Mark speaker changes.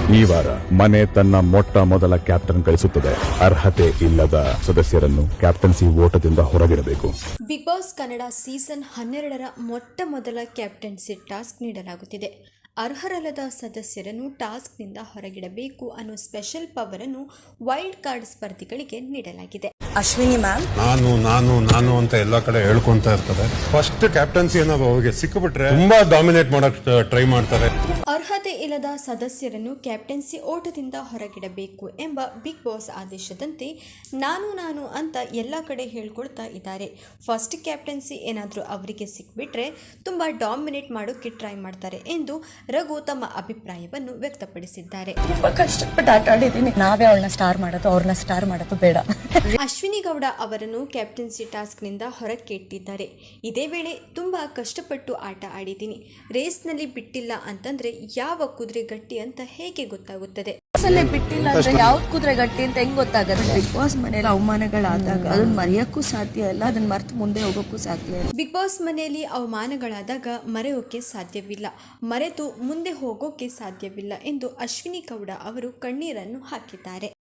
Speaker 1: ಈ ವಾರ ಮನೆ ತನ್ನ ಮೊಟ್ಟ ಮೊದಲ ಕ್ಯಾಪ್ಟನ್ ಕಳಿಸುತ್ತದೆ. ಅರ್ಹತೆ ಇಲ್ಲದ ಸದಸ್ಯರನ್ನು ಕ್ಯಾಪ್ಟನ್ಸಿ ಓಟದಿಂದ ಹೊರಗಿಡಬೇಕು.
Speaker 2: ಬಿಗ್ ಬಾಸ್ ಕನ್ನಡ ಸೀಸನ್ 12ರ ಮೊಟ್ಟ ಮೊದಲ ಕ್ಯಾಪ್ಟನ್ಸಿ ಟಾಸ್ಕ್ ನೀಡಲಾಗುತ್ತಿದೆ. ಅರ್ಹರಲ್ಲದ ಸದಸ್ಯರನ್ನು ಟಾಸ್ಕ್ನಿಂದ ಹೊರಗಿಡಬೇಕು ಅನ್ನೋ ಸ್ಪೆಷಲ್ ಪವರ್ ಅನ್ನು ವೈಲ್ಡ್ ಕಾರ್ಡ್ ಸ್ಪರ್ಧಿಗಳಿಗೆ ನೀಡಲಾಗಿದೆ.
Speaker 3: ಅಶ್ವಿನಿ ಮ್ಯಾಮ್
Speaker 4: ನಾನು ಅಂತ ಎಲ್ಲಾ ಕಡೆ ಹೇಳ್ಕೊಂತ ಇರ್ತಾರೆ. ಫಸ್ಟ್ ಕ್ಯಾಪ್ಟನ್ಸಿ ಏನೋ ಅವ್ರಿಗೆ ಸಿಕ್ಕಿಬಿಟ್ರೆ ತುಂಬಾ ಡಾಮಿನೇಟ್ ಮಾಡಕ್ ಟ್ರೈ ಮಾಡ್ತಾರೆ.
Speaker 2: ಅರ್ಹತೆ ಇಲ್ಲದ ಸದಸ್ಯರನ್ನು ಕ್ಯಾಪ್ಟನ್ಸಿ ಓಟದಿಂದ ಹೊರಗಿಡಬೇಕು ಎಂಬ ಬಿಗ್ ಬಾಸ್ ಆದೇಶದಂತೆ ನಾನು ಅಂತ ಎಲ್ಲ ಕಡೆ ಹೇಳ್ಕೊಳ್ತಾ ಇದ್ದಾರೆ. ಫಸ್ಟ್ ಕ್ಯಾಪ್ಟನ್ಸಿ ಏನಾದರೂ ಅವರಿಗೆ ಸಿಕ್ಬಿಟ್ರೆ ತುಂಬಾ ಡಾಮಿನೇಟ್ ಮಾಡೋಕೆ ಟ್ರೈ ಮಾಡ್ತಾರೆ ಎಂದು ರಘು ತಮ್ಮ ಅಭಿಪ್ರಾಯವನ್ನು ವ್ಯಕ್ತಪಡಿಸಿದ್ದಾರೆ.
Speaker 3: ತುಂಬಾ ಕಷ್ಟಪಟ್ಟು ಆಟ ಆಡಿದ್ದೀನಿ. ನಾವೇ ಅವಳನ್ನ ಸ್ಟಾರ್ ಮಾಡೋದು, ಅವ್ರನ್ನ ಸ್ಟಾರ್ ಮಾಡೋದು ಬೇಡ.
Speaker 2: ಅಶ್ವಿನಿ ಗೌಡ ಅವರನ್ನು ಕ್ಯಾಪ್ಟನ್ಸಿ ಟಾಸ್ಕ್ನಿಂದ ಹೊರಕ್ಕೆ ಇಟ್ಟಿದ್ದಾರೆ. ಇದೇ ವೇಳೆ ತುಂಬಾ ಕಷ್ಟಪಟ್ಟು ಆಟ ಆಡಿದ್ದೀನಿ. ರೇಸ್ನಲ್ಲಿ ಬಿಟ್ಟಿಲ್ಲ ಅಂತಂದ್ರೆ ಯಾವ ಕುದುರೆ ಗಟ್ಟಿ ಅಂತ ಹೇಗೆ ಗೊತ್ತಾಗುತ್ತದೆ?
Speaker 3: ಬಿಟ್ಟಿಲ್ಲ ಅಂದ್ರೆ ಯಾವ ಕುದುರೆ ಗಟ್ಟಿ ಅಂತ ಹೆಂಗ್ ಗೊತ್ತಾಗುತ್ತೆ? ಬಿಗ್ ಬಾಸ್ ಮನೆಯಲ್ಲಿ ಅವಮಾನಗಳಾದಾಗ ಅದನ್ನ ಮರೆಯಕ್ಕೂ ಸಾಧ್ಯ ಇಲ್ಲ, ಅದನ್ನ ಮರೆತು ಮುಂದೆ ಹೋಗೋಕ್ಕೂ ಸಾಧ್ಯ ಇಲ್ಲ.
Speaker 2: ಬಿಗ್ ಬಾಸ್ ಮನೆಯಲ್ಲಿ ಅವಮಾನಗಳಾದಾಗ ಮರೆಯೋಕೆ ಸಾಧ್ಯವಿಲ್ಲ, ಮರೆತು ಮುಂದೆ ಹೋಗೋಕೆ ಸಾಧ್ಯವಿಲ್ಲ ಎಂದು ಅಶ್ವಿನಿ ಗೌಡ ಅವರು ಕಣ್ಣೀರನ್ನು ಹಾಕಿದ್ದಾರೆ.